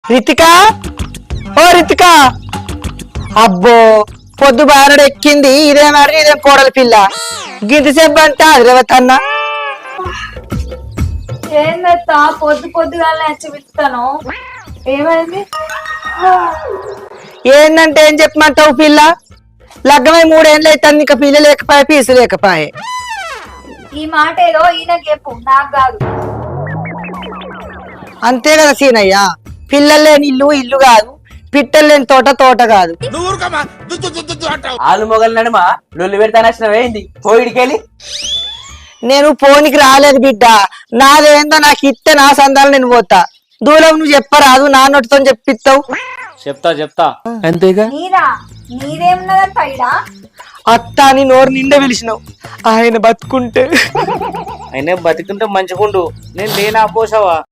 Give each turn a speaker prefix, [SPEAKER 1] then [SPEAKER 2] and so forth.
[SPEAKER 1] రితిక ఓ రితిక అబ్బో పొద్దు బారడు ఎక్కింది ఇదేమారి ఇదేం కోడల పిల్ల గింతసేపు అంట అదిరవతన్న
[SPEAKER 2] ఏందత్తా పొద్దుగానే వచ్చి పిలుస్తాను ఏమైంది
[SPEAKER 1] ఏందంటే ఏం చెప్పమంటావు పిల్ల లగ్గమై 3 ఏళ్ళు అవుతుంది ఇంకా పిల్ల లేకపోయే పీసు లేకపోయే
[SPEAKER 2] ఈ మాట ఏదో ఈయనకి చెప్పు నాకు కాదు
[SPEAKER 1] అంతే కదా సీనయ్య పిల్లలు లేని ఇల్లు ఇల్లు కాదు పిట్టలు లేని తోట తోట కాదు
[SPEAKER 3] ఆలు మొగలు నడుమ లొల్లి పెడతానచ్చినవేంది పోయిడికెళ్ళి
[SPEAKER 1] నేను పోనికి రాలేదు బిడ్డ నాదేందో నాకు ఇస్తే నా సందాలు నేను పోతా దూరం నువ్వు చెప్పరాదు నా నోటితో చెప్పిస్తావు
[SPEAKER 3] చెప్తా అంతేగా
[SPEAKER 2] నీదేమున్నదంట ఇడా
[SPEAKER 1] అత్త అని నోరు నిండా పిలిచినావు ఆయన బతుకుంటే
[SPEAKER 3] అయినా బతికుంటే మంచిగుండు నేను లేనా పోసావా